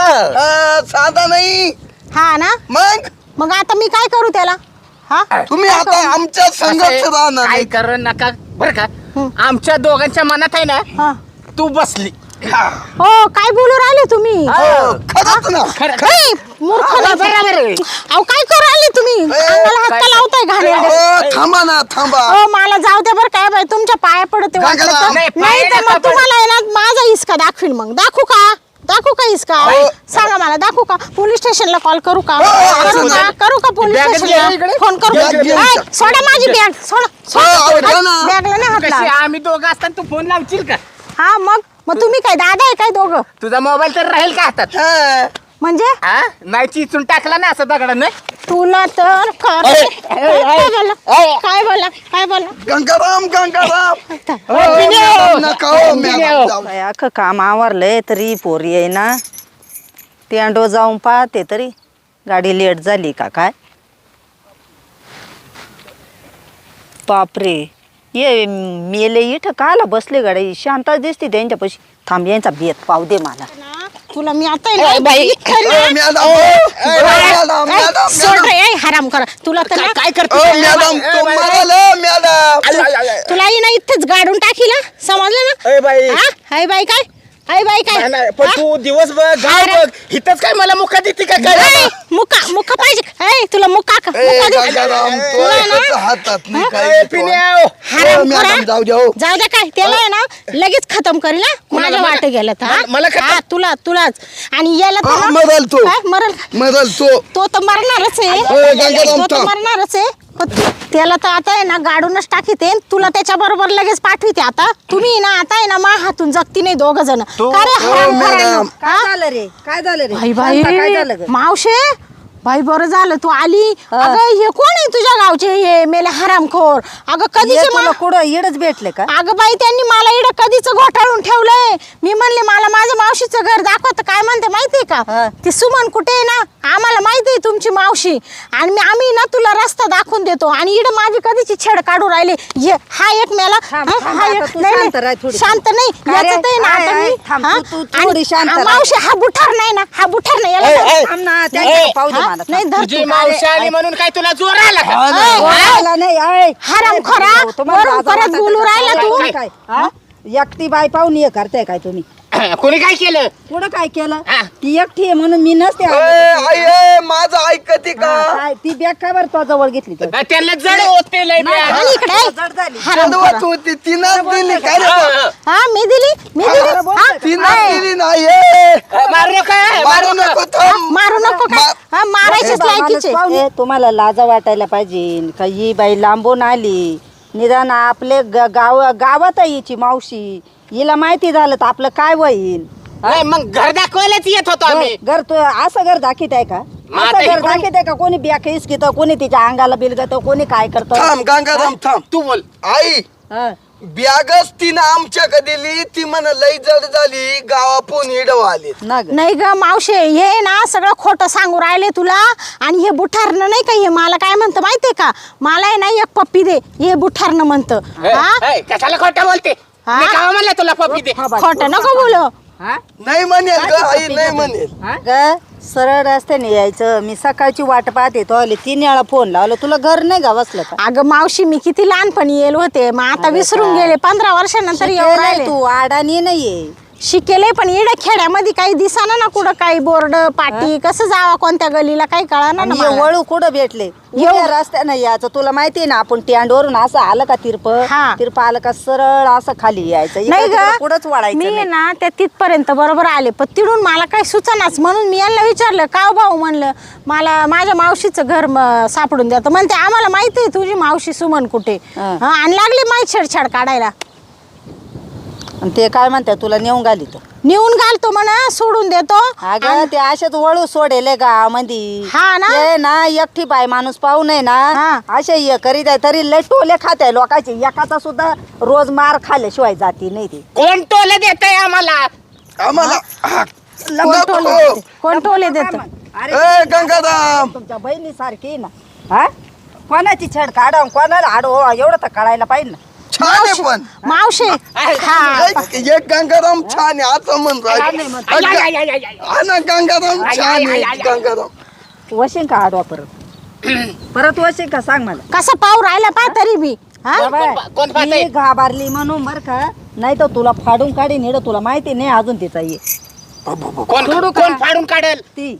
Speaker 1: हा.
Speaker 2: साधा नाही.
Speaker 4: हा ना
Speaker 2: मग
Speaker 4: मग आता मी काय करू त्याला हा
Speaker 2: तुम्ही
Speaker 4: काय
Speaker 2: आता
Speaker 4: करू?
Speaker 2: आमच्या संगत राहणार
Speaker 1: काय
Speaker 2: नाही.
Speaker 1: कर नका बर का आमच्या दोघांच्या मनात आहे ना
Speaker 4: हा.
Speaker 1: तू बसली
Speaker 4: हो काय बोलू राहिले तुम्ही
Speaker 2: हो, खरंच ना.
Speaker 1: खरं
Speaker 4: ए, मूर्ख
Speaker 1: हा,
Speaker 4: ना.
Speaker 1: बरोबर आहे.
Speaker 4: अहो काय करू राहिले तुम्ही अंगाला हात
Speaker 1: काय-
Speaker 4: का लावताय घाणेरडे?
Speaker 2: हो, थांबा ना थांबा.
Speaker 4: हो मला जाऊ द्या बरं काय बाई तुमच्या पाया पडते
Speaker 2: काय
Speaker 4: वाटलं
Speaker 2: करा?
Speaker 4: तर.
Speaker 1: नाही,
Speaker 4: नाही
Speaker 1: पाया
Speaker 4: तर
Speaker 1: नका
Speaker 4: मग तुम्हाला आहे ना माझा हिसका दाखवील मग दाखवू का दाखवू का हिसका
Speaker 2: हो.
Speaker 4: सांगा मला दाखवू का पोलीस स्टेशनला कॉल करू का
Speaker 2: हो, हो,
Speaker 4: करू
Speaker 2: हो.
Speaker 4: का करू का पोलीस
Speaker 1: बॅग
Speaker 4: स्टेशनला
Speaker 1: घे इकडे.
Speaker 4: फोन करू
Speaker 2: बॅग घे
Speaker 4: ऐ,
Speaker 2: इकडे.
Speaker 4: सोडा माझी बॅग सोडा
Speaker 2: हो, हो, द्या ना.
Speaker 4: बॅगला नाही हात
Speaker 1: कशी
Speaker 4: लावा.
Speaker 1: आम्ही दोघं असताना तू फोन लावशील का
Speaker 4: हा मग मग तुम्ही काय दादा आहे काय दोघं
Speaker 1: तुझा मोबाईल तर राहील का हातात
Speaker 2: हा.
Speaker 4: म्हणजे
Speaker 1: हा नाही चिचून टाकला ना असं दगडानं
Speaker 4: तुला तर खरं-
Speaker 1: अरे,
Speaker 4: काय बोला काय बोला काय बोला
Speaker 2: गंगाराम गंगाराम हो,
Speaker 1: पिण्या.
Speaker 2: मॅडम, नका हो,
Speaker 1: पिण्या.
Speaker 2: मॅडम, जाऊ.
Speaker 3: काय अख्खं काम आवरलंय तरी पोरी आहे ना ते अंडो जाऊन पाहते तरी गाडी लेट झाली का काय बापरे ये मेले इथं काला बसले गाडी शांता दिसते त्यांच्यापाशी थांब यांचा बेत पाव दे मला
Speaker 4: तुला मी आता आहे ना,
Speaker 1: ए, बाई.
Speaker 4: इतकं
Speaker 2: ए,
Speaker 4: ना-
Speaker 2: मॅडम, ए, मॅडम,
Speaker 4: ए,
Speaker 2: मॅडम,
Speaker 4: सोड
Speaker 2: मॅडम.
Speaker 4: रे, ए, हराम करा तुला तर ना-
Speaker 1: काय
Speaker 2: ओ,
Speaker 1: करतो
Speaker 2: मॅडम तो मराल मॅडम.
Speaker 4: तुला ही ना इथेच गाडून टाकील हा, समजलं ना
Speaker 1: ए बाई
Speaker 4: हा? हाय बाई काय हाय बाई काय
Speaker 1: नाही, नाही, पण
Speaker 4: हा?
Speaker 1: तू दिवस बघ गाव
Speaker 4: अरे.
Speaker 1: बघ इथंच काय मला मुका देते का
Speaker 4: ए,
Speaker 1: काय
Speaker 4: मुका मुका पाहिजे ए, तुला मुका का-
Speaker 2: ए,
Speaker 4: मुका दे.
Speaker 2: गंगाराम तो
Speaker 4: तुला ना-
Speaker 2: एकच हातात नाही
Speaker 1: ए,
Speaker 2: काय
Speaker 1: पिण्या.
Speaker 4: हराम
Speaker 2: ओ, मॅडम,
Speaker 4: खोरा.
Speaker 2: जाऊ द्या, हो.
Speaker 4: जाऊ द्या काय त्याला आहे ना लगेच खतम करेल ना
Speaker 1: कोणाला?
Speaker 4: माझ्या
Speaker 1: मला?
Speaker 4: वाटे गेलं तर, हा?
Speaker 1: मला- मला खतम?
Speaker 4: हा, तुला तुलाच आणि याला तर
Speaker 2: हा,
Speaker 4: ना-
Speaker 2: मरल तो.
Speaker 4: काय? मरल
Speaker 2: मरल तो
Speaker 4: तो तर मरणारच आहे
Speaker 2: ए, गंगाराम,
Speaker 4: तो तर
Speaker 2: थांब.
Speaker 4: मरणारच आहे पण त्याला तर आता आहे ना गाडूनच टाकीते तुला त्याच्या बरोबर लगेच पाठविते आता तुम्ही ना आता आहे ना मा हातून जगती नाही दोघ जण
Speaker 1: तो-
Speaker 4: का रे
Speaker 2: ओ,
Speaker 4: हराम
Speaker 2: मॅडम.
Speaker 4: करायला?
Speaker 3: काय
Speaker 4: हा?
Speaker 3: झालं रे काय झालं रे
Speaker 4: बाई बाई
Speaker 3: शांता, काय झालं ग
Speaker 4: मावशे बाई बरं झालं तू आली
Speaker 3: हा.
Speaker 4: अगं हे कोण आहे तुझ्या गावचे हे मेले हरामखोर अगं
Speaker 3: ये
Speaker 4: कधीचे
Speaker 3: तुला
Speaker 4: मा-
Speaker 3: कुठं येडच भेटले का
Speaker 4: अगं बाई त्यांनी मला इकडं कधीच घोटाळून ठेवलंय मी म्हणले मला माझं मावशीचं घर दाखव तर काय म्हणते माहितीये का
Speaker 3: हा.
Speaker 4: ती सुमन कुठे आहे ना आम्हाला माहिती आहे तुमची मावशी आणि मी आम्ही ना तुला रस्ता दाखवून देतो आणि इकडे माझी कधीची छेड काढू राहिले ये हा एक मेला
Speaker 3: थांब,
Speaker 4: हा,
Speaker 3: थांब
Speaker 4: हा
Speaker 3: आता
Speaker 4: एक-
Speaker 3: तू
Speaker 4: नाही,
Speaker 3: शांत
Speaker 4: नाही,
Speaker 3: राह थोडी.
Speaker 4: शांत नाही
Speaker 3: काय रे?
Speaker 4: याच्यात आहे ना
Speaker 3: आहे,
Speaker 4: आता
Speaker 3: आहे.
Speaker 4: मी
Speaker 3: थांब,
Speaker 4: हा?
Speaker 3: तू- तू
Speaker 4: आणि-
Speaker 3: थोडी शांत
Speaker 4: हा,
Speaker 3: राह.
Speaker 4: मावशी हा बुठार नाही ना हा बुठार नाही याला
Speaker 1: ए,
Speaker 4: धर.
Speaker 1: ए,
Speaker 3: थांब ना
Speaker 1: ए,
Speaker 3: त्यांच्या पाहू दे
Speaker 4: हा?
Speaker 3: मला
Speaker 4: नाही धर
Speaker 1: तुझी
Speaker 4: तू.
Speaker 1: मावशी आली म्हणून काय तुला जोर आला का
Speaker 2: हा ना.
Speaker 4: ए,
Speaker 3: ओ, मला नाही आहे.
Speaker 4: हराम
Speaker 3: ए,
Speaker 4: खोरा,
Speaker 3: तुम्हाला
Speaker 4: वरून
Speaker 3: लाज
Speaker 4: परत
Speaker 3: वाटते
Speaker 4: बोलू
Speaker 3: का?
Speaker 4: राहिला तू.
Speaker 3: काय? हा? एकटी बाई पाहून हे करताय काय तुम्ही
Speaker 1: कोणी काय केलं
Speaker 3: पुढं काय केलं
Speaker 1: हा.
Speaker 3: ती एकटी आहे म्हणून मी नसते
Speaker 2: ए,
Speaker 3: आली.
Speaker 2: आई, ए, माझं ऐकते का
Speaker 3: हा, काय? ती बॅग काय बरं तो जवळ घेतली तर?
Speaker 1: त्यांना जड होते लय बे.
Speaker 4: आणि इकडे
Speaker 3: जड झाली.
Speaker 4: हराम खोरा.
Speaker 2: चढवत होती तिनं दिली काय रे?
Speaker 1: हा, हा.
Speaker 4: हा मी दिली मी दिली
Speaker 3: बरं बोलतोय
Speaker 4: हा?
Speaker 3: का?
Speaker 2: तिनं दिली नाही ए.
Speaker 1: मारू नका
Speaker 2: मारू नको थांब.
Speaker 4: मारू नको काय
Speaker 2: मा-
Speaker 4: हा, मारायचीच
Speaker 3: ए, बाई,
Speaker 4: लायकीचे
Speaker 3: माणूस पाहून- ए, तुम्हाला लाजा वाटायला पाहिजे का ही बाई लांबून आली निदान आपले ग- गाव गावात आहे हिची मावशी हिला माहिती झालं तर आपलं काय होईल
Speaker 5: नाही मग घर दाखवायलाच येत होतो आम्ही.
Speaker 3: घर घर तू असं घर दाखीत आहे का
Speaker 5: मग
Speaker 3: असं
Speaker 5: आता
Speaker 3: घर
Speaker 5: इकडून-
Speaker 3: दाखीत आहे का कोणी बॅक हिसकित कोणी तिच्या अंगाला बिलगत कोणी काय करत
Speaker 2: थांब गंगाराम थांब.
Speaker 5: तू बोल.
Speaker 2: आई बॅगच तिनं आमच्याकडे दिली ती म्हण लई जड झाली गावापून हिडव आले.
Speaker 4: नाही ग मावशे हे ना सगळं खोटं सांगू राहिले तुला. आणि हे बुठारनं नाही का हे मला काय म्हणतं माहितीये का मला आहे ना एक पप्पी दे हे बुठारनं म्हणतं.
Speaker 5: ए,
Speaker 4: हा?
Speaker 5: ए, कशाला खोटं बोलते
Speaker 4: हा?
Speaker 5: मी का म्हणलं तुला पप्पी दे.
Speaker 4: खोटं नको बोलू.
Speaker 2: नाही म्हणेल ग आई नाही म्हणेल.
Speaker 3: ग सरळ रस्त्याने यायचं मी सकाळची वाट पाहते तो आले तीन वेळा फोन लावला तुला घर नाही का बसलं का
Speaker 4: अगं मावशी मी किती लहानपणी येलो होते मग आता विसरून गेले पंधरा वर्षानंतर येऊन
Speaker 3: शिकेल
Speaker 4: राहिले.
Speaker 3: तू आडानी नाहीये
Speaker 4: शिकेले पण इडे खेड्यामध्ये काही दिसाना ना कुठं काही बोर्ड पाटी कसं जावा कोणत्या गलीला काही कळा ना
Speaker 3: आणि हे
Speaker 4: मला.
Speaker 3: वळू कुठं भेटले
Speaker 4: येऊ.
Speaker 3: उभ्या रस्त्यानं यायचं तुला माहितीये ना आपण स्टँडवरून असं आलं का तिरप
Speaker 4: हा.
Speaker 3: तिरप आलं का सरळ असं खाली यायचं
Speaker 4: नाही
Speaker 3: इकडं तिकडं कुठंच
Speaker 4: ग
Speaker 3: वळायचं
Speaker 4: मी
Speaker 3: नाही.
Speaker 4: ना त्या तिथपर्यंत बरोबर आले पण तिडून मला काही सुचनाच म्हणून मी यांना विचारलं का हो भाऊ म्हणलं मला माझ्या मावशीचं घर म- सापडून द्या तर म्हणते आम्हाला माहिती आहे तुझी मावशी सुमन कुठे.
Speaker 3: हा.
Speaker 4: हा, आणि लागली माहीत छेडछाड काढायला.
Speaker 3: आणि ते काय म्हणतात तुला नेऊन घाली तर
Speaker 4: नेऊन घालतो म्हणा सोडून देतो.
Speaker 3: अगं ते अशाच वळू सोडेले गावामध्ये
Speaker 4: हा ना?
Speaker 3: ते ना एकटी बाय माणूस पाहू नये ना
Speaker 4: हा.
Speaker 3: असे हे करीत आहे तरी लय टोले खात आहे लोकांचे एकाचा सुद्धा रोज मार खाल्ल्याशिवाय जाती नाही ते
Speaker 5: कोण टोले देत आहे आम्हाला.
Speaker 2: आम्हाला हा,
Speaker 4: कोण
Speaker 2: नको.
Speaker 4: टोले देते? कोण टोले देत
Speaker 3: अरे
Speaker 2: ए गंगाराम
Speaker 3: तुमच्या बहिणी सारखी ना हा कोणाची छेड काढा कोणाला आडो एवढं तर काढायला पाहिजे ना.
Speaker 2: छान आहे पण
Speaker 4: मावशे हा
Speaker 2: एक एक गंगाराम छान आहे असं म्हण
Speaker 5: आय, आय, आय, आय, आय, आय.
Speaker 2: हा ना गंगाराम
Speaker 5: आय,
Speaker 2: छान
Speaker 5: आय,
Speaker 2: आहे
Speaker 5: आय, आय.
Speaker 2: गंगाराम.
Speaker 3: वशीन का आडवा परत परत वशीन का सांग मला
Speaker 4: कसं पाहू राहिला पा तरी बी हा
Speaker 3: बाबा,
Speaker 5: कोण पाहतंय?
Speaker 3: मी घाबरली म्हणून बर का नाही तर तुला फाडून काढीन इडं तुला माहिती नाही अजून तिचा ये
Speaker 5: कोण
Speaker 3: सोडू का?
Speaker 5: कोण फाडून काढेल.
Speaker 3: ती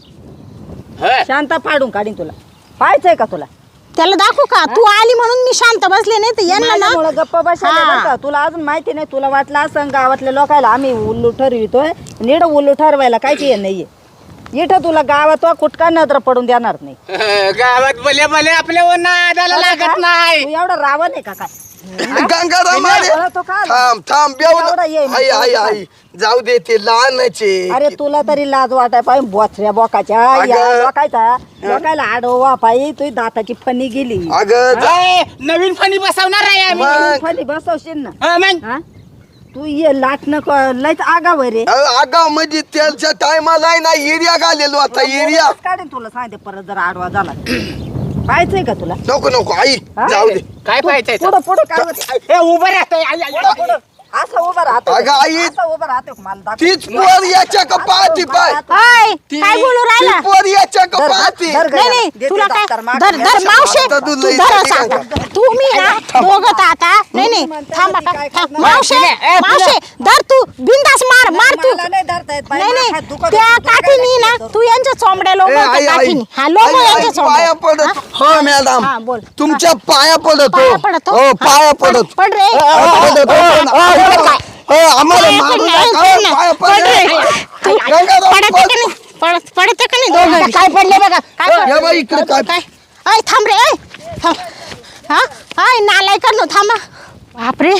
Speaker 5: हं.
Speaker 3: शांता फाडून काढीन तुला पाहायचंय का तुला
Speaker 4: त्याला दाखवू का तू आली म्हणून मी शांत बसले नाही तर यांना ना
Speaker 3: माझ्यामुळं गप्प बसले
Speaker 4: हा.
Speaker 3: बरं का तुला अजून माहिती नाही तुला वाटलं असं गावातल्या लोकायला आम्ही उल्लू ठरवितोय नीड उल्लू ठरवायला कायची हे नाहीये इथं तुला गावात कुठका नजर पडून देणार नाही
Speaker 5: हं, गावात भले भले आपल्या नादाला लागत नाही.
Speaker 3: तू एवढा रावण आहे का काय
Speaker 2: गंगाराम अरे
Speaker 3: मला तो का आला?
Speaker 2: थांब थांब
Speaker 3: एवढा ये,
Speaker 2: बेवलं आई आई आई जाऊ दे ते लहानचे
Speaker 3: अरे तुला तरी लाज वाटाय पाहिजे बोचऱ्या बोकाच्या
Speaker 2: अगं.
Speaker 3: या लोकायचा लोकायला आडवा पाहिजे तुझी दाताची फणी गेली
Speaker 2: अगं जा-
Speaker 5: ए, नवीन फणी बसवणार आहे आम्ही.
Speaker 2: मग
Speaker 3: फणी बसवशील ना
Speaker 5: हं, मग
Speaker 3: हा तू ये लाट नको लयच आगाव रे
Speaker 2: आगाव म्हणजे त्याच्या टायमाला आहे ना एरिया घालेलो आता एरिया
Speaker 3: काढेन तुला सांगते परत जर आडवा झाला पाहायचंय का तुला
Speaker 2: नको नको आई
Speaker 3: हा?
Speaker 2: जाऊ दे
Speaker 5: काय पाहिजे
Speaker 3: पुढं पुढं काय होतं?
Speaker 5: हे उभं राहतंय. आई, आई, आई.
Speaker 3: पुढं असं उभं राहतो
Speaker 2: अगं आई,
Speaker 3: असं उभं राहतो मला दाखव.
Speaker 2: तीच पोर याच्या का पाहती पाय
Speaker 4: हाय
Speaker 2: ती
Speaker 4: काय बोलू
Speaker 2: ती
Speaker 4: राहिला
Speaker 2: पोर याच्या का
Speaker 3: धर,
Speaker 2: पाहती
Speaker 3: धर, धर.
Speaker 4: नाही नाही
Speaker 3: देते
Speaker 4: तुला काय
Speaker 3: दफ्तर मागं.
Speaker 4: धर धर
Speaker 3: याच्या
Speaker 4: मावशे
Speaker 2: आता
Speaker 4: तू
Speaker 2: तू लई
Speaker 4: धर
Speaker 2: झाली
Speaker 4: सांग.
Speaker 2: का?
Speaker 4: तुम्ही ना दोघं तर आता नाही नाही
Speaker 3: म्हणते
Speaker 4: थांबा
Speaker 3: ती
Speaker 4: का
Speaker 3: काय
Speaker 4: थांब.
Speaker 3: करणार?
Speaker 4: मावशे
Speaker 5: नाही, नाही, ए,
Speaker 4: मावशे धर तू बिंदास मार मार तू
Speaker 3: मला नाही धरता येत बाई,
Speaker 4: नाही
Speaker 3: माझा
Speaker 4: नाही
Speaker 3: हात दुखत
Speaker 4: त्या
Speaker 3: होतो. तुला काय
Speaker 4: काठीनी ना
Speaker 3: लागतं?
Speaker 4: तू यांच्या चोंबड्या
Speaker 2: ए,
Speaker 4: लोक
Speaker 2: आई, आई,
Speaker 4: काठीनी हा लोक
Speaker 2: आई, आई,
Speaker 4: यांच्या
Speaker 2: पाया
Speaker 4: चोंबड्या
Speaker 2: पडत हो मॅडम
Speaker 4: हा, बोल.
Speaker 2: तुमच्या पाया पडत
Speaker 4: पाया
Speaker 2: हो
Speaker 4: पडत हो?
Speaker 2: हो
Speaker 4: हा,
Speaker 2: पाया
Speaker 4: पड-
Speaker 2: पडत
Speaker 4: पड रे.
Speaker 2: हो, पडत, हो, पण आम्हाला- हो, आम्हाला
Speaker 4: पाया
Speaker 2: मारू
Speaker 4: पड
Speaker 2: नका,
Speaker 4: ना,
Speaker 2: हो,
Speaker 4: पड ना.
Speaker 2: पाया
Speaker 4: पड रे.
Speaker 2: पडत.
Speaker 4: तू
Speaker 2: गंगाराम,
Speaker 4: पडते
Speaker 2: पड.
Speaker 4: का नाही पडत पडते का नाही दोघं काय पडले बघा काय
Speaker 2: या बाई, इकडे काय?
Speaker 4: काय ऐ थांब रे ऐ थांब हा ऐ नालाय कर नो थांबा बापरे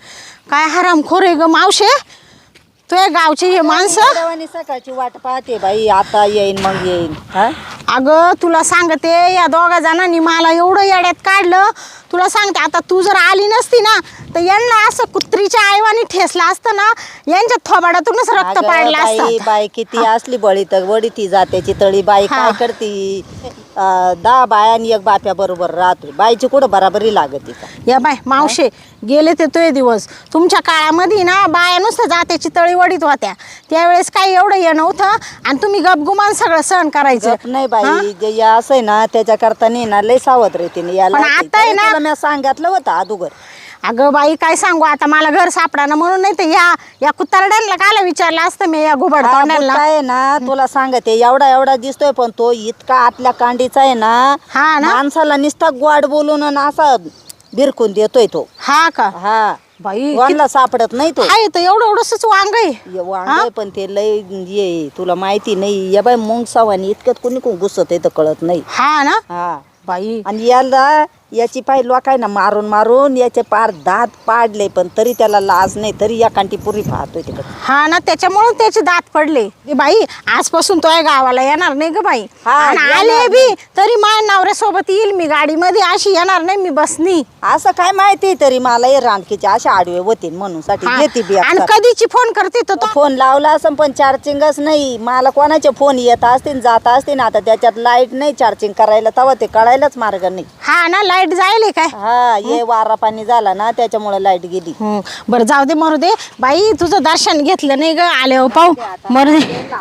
Speaker 4: काय हरामखोर आहे ग मावशे तुझ्या गावची हे माणसं
Speaker 3: देवानी सकाळची वाट पाहते बाई आता येईन मग येईन हा
Speaker 4: अगं तुला सांगते या दोघा जणांनी मला एवढं येड्यात काढलं तुला सांगते आता तू जर आली नसती ना तर यांना असं कुत्रीच्या आईवानी ठेसला असतं ना यांच्या थोबाडातूनच रक्त
Speaker 3: अगं
Speaker 4: पाडलं
Speaker 3: बाई
Speaker 4: असतं
Speaker 3: बाई किती असली बळी तर वडी ती जात्याची तळी बाई
Speaker 4: हा.
Speaker 3: काय करती अं, दहा बाया आणि एक बाप्या बरोबर राहतो बाईची कुठं बराबरी लागत का
Speaker 4: या बाय मावशे गेले ते तुझे दिवस तुमच्या काळामध्ये ना बाया नुसतं जात्याची तळी वडीत होत्या त्यावेळेस काही एवढं हे नव्हतं आणि तुम्ही गपगुमान सगळं सहन करायचं
Speaker 3: गप नाही
Speaker 4: हा?
Speaker 3: बाई जे या असं आहे ना त्याच्याकरता नाही ना लय सावध रेतीने याला
Speaker 4: पण आता आहे ना-
Speaker 3: मी सांगितलं होतं अगोदर
Speaker 4: अगं बाई काय सांगू आता मला घर सापडा ना म्हणून नाही तर या या कुत्तरड्यांना कायला विचारलं असतं मी या घुबड
Speaker 3: हा,
Speaker 4: तोंडांना
Speaker 3: बुट्टा आहे ना तुला सांगते एवढा एवढा दिसतोय पण तो इतका आतल्या कांडीचा आहे ना
Speaker 4: हा ना?
Speaker 3: माणसाला नुसता गोड बोलून आणि असा बिरकून देतोय तो
Speaker 4: हा का
Speaker 3: हा
Speaker 4: बाई
Speaker 3: कोणाला सापडत नाही तो
Speaker 4: आहे तर एवढं एवढंच वांग आहे
Speaker 3: ये वांग आहे, पण ते लय ये तुला माहिती नाही या बाई मुंग सावानी इतक्यात कोणी कोण घुसत आहे तर कळत नाही
Speaker 4: हा ना
Speaker 3: हा
Speaker 4: बाई
Speaker 3: आणि याला याची पाय लोकांना मारून मारून याचे पार दात पाडले पण तरी त्याला लाज नाही तरी या कांटी पुरी पाहतोय तिकडे.
Speaker 4: हा ना त्याच्यामुळे त्याचे दात पडले. ए बाई आजपासून तो गावाला येणार नाही ग बाई.
Speaker 3: हा,
Speaker 4: आणि
Speaker 3: येणार
Speaker 4: आले बी तरी माझ्या नवऱ्यासोबत येईल मी गाडीमध्ये, अशी येणार नाही मी बसनी.
Speaker 3: असं काय माहिती तरी मला हे रानकीचे अशा आडवे होतील म्हणून साठी
Speaker 4: हा.
Speaker 3: येते बी
Speaker 4: आणि
Speaker 3: आता.
Speaker 4: कधीची फोन करते तर तो.
Speaker 3: फोन लावला असं पण चार्जिंगच नाही. मला कोणाचे फोन येत असतील जात असतील आता त्याच्यात लाईट नाही चार्जिंग करायला तेव्हा ते कळायलाच मार्ग नाही.
Speaker 4: हा ना लाईट जायले काय.
Speaker 3: हा हे वारा पाणी झाला ना त्याच्यामुळे लाईट गेली.
Speaker 4: हं. बरं जाऊ दे मरू दे बाई, तुझं दर्शन घेतलं नाही ग आले हो पाहू मरू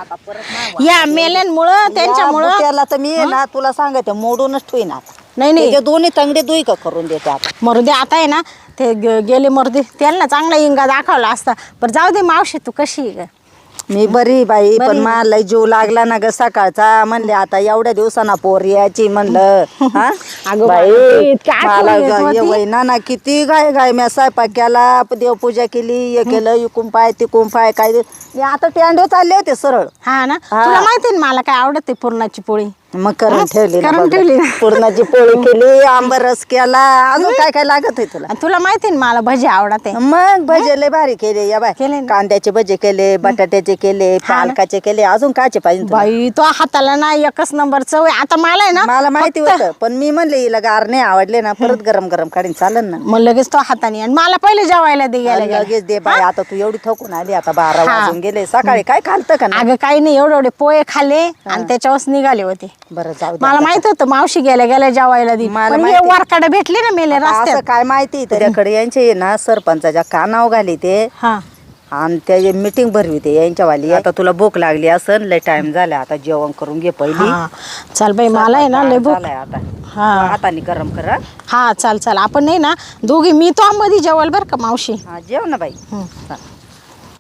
Speaker 4: दे. या मेल्यांमुळं त्यांच्यामुळं
Speaker 3: त्याला तर मी आहे ना तुला सांगते मोडूनच ठेवीन आता.
Speaker 4: नाही नाही
Speaker 3: त्याचे दोन्ही तंगडे दुई का करून देते आता.
Speaker 4: मरू दे आता आहे ना ते ग- गेले मरू दे त्यांना चांगला इंगा दाखवला असता. बरं जाऊ दे मावशी तू कशी आहे ग.
Speaker 3: मी बरी बाई
Speaker 4: बरी
Speaker 3: पण
Speaker 4: आहे.
Speaker 3: मला जीव लागला ना ग सकाळचा. म्हणले आता एवढ्या दिवसांना पोर यायची म्हणलं. हा?
Speaker 4: अगं
Speaker 3: बाई,
Speaker 4: बाई, इतकी आठवण
Speaker 3: मला
Speaker 4: येत
Speaker 3: ग-
Speaker 4: होती.
Speaker 3: ये बाई ना ना किती गाय गाय मी स्वयंपाक केला देवपूजा केली हे केलं इकून पाय तिकून पाय काय ते- मी आता टेंडे चालले होते सरळ.
Speaker 4: हा ना
Speaker 3: हा.
Speaker 4: तुला माहिती ना मला काय आवडते पुरणाची पोळी.
Speaker 3: मग करून
Speaker 4: हा?
Speaker 3: ठेवली ना
Speaker 4: करून
Speaker 3: बघ.
Speaker 4: ठेवली ना.
Speaker 3: पुरणाची पोळी केली आंबरस केला अजून काय काय लागत आहे तुला.
Speaker 4: आणि तुला माहिती ना मला भजी आवडते.
Speaker 3: मग भजे लय भारी केले या बाय
Speaker 4: केले ना.
Speaker 3: कांद्याचे भजे केले बटाट्याचे केले
Speaker 4: हा ना.
Speaker 3: पालकाचे केले अजून कायचे पाहिजे तुला?
Speaker 4: बाई तो हाताला ना एकच नंबर चव आहे. आता मला आहे ना
Speaker 3: मला माहिती
Speaker 4: फक्त-
Speaker 3: होतं पण मी म्हणले हिला गार नाही आवडले ना परत गरम गरम काढीन चालेल ना.
Speaker 4: मग लगेच तो हाताने आणि मला पहिले जेवायला दे गेला गेला.
Speaker 3: लगेच दे बाय आता तू एवढी थकून आली आता बारा
Speaker 4: हा.
Speaker 3: वाजून गेले सकाळी काय खालतं का ना.
Speaker 4: अगं काही नाही एवढे एवढे पोहे खाल्ले आणि त्याच्यावरच निघाले होते.
Speaker 3: बरं जाऊ दे
Speaker 4: मला
Speaker 3: आता.
Speaker 4: माहित होतं मावशी गेल्या गेल्या जेवायला दे.
Speaker 3: मला
Speaker 4: पण हे
Speaker 3: माहिती.
Speaker 4: वरकडे भेटले ना मेले
Speaker 3: आता असं
Speaker 4: रस्त्यात.
Speaker 3: काय माहिती त्याच्याकडे यांचे ना सरपंचाच्या कानाव घाली ते
Speaker 4: हा
Speaker 3: आणि त्याची मीटिंग भरवी ते यांच्यावाली. आता तुला भूक लागली असं लय टाइम झाला आता जेवण करून घे पहिली.
Speaker 4: हा चल बाई मला आहे ना लय भूक.
Speaker 3: झालाय आता
Speaker 4: हा
Speaker 3: हाताने गरम कर हा.
Speaker 4: हा चाल चाल आपण नाही ना दोघी मी तो मध्ये जेवाल बरं का मावशी.
Speaker 3: हा जेव ना बाई
Speaker 4: हं.
Speaker 3: हा.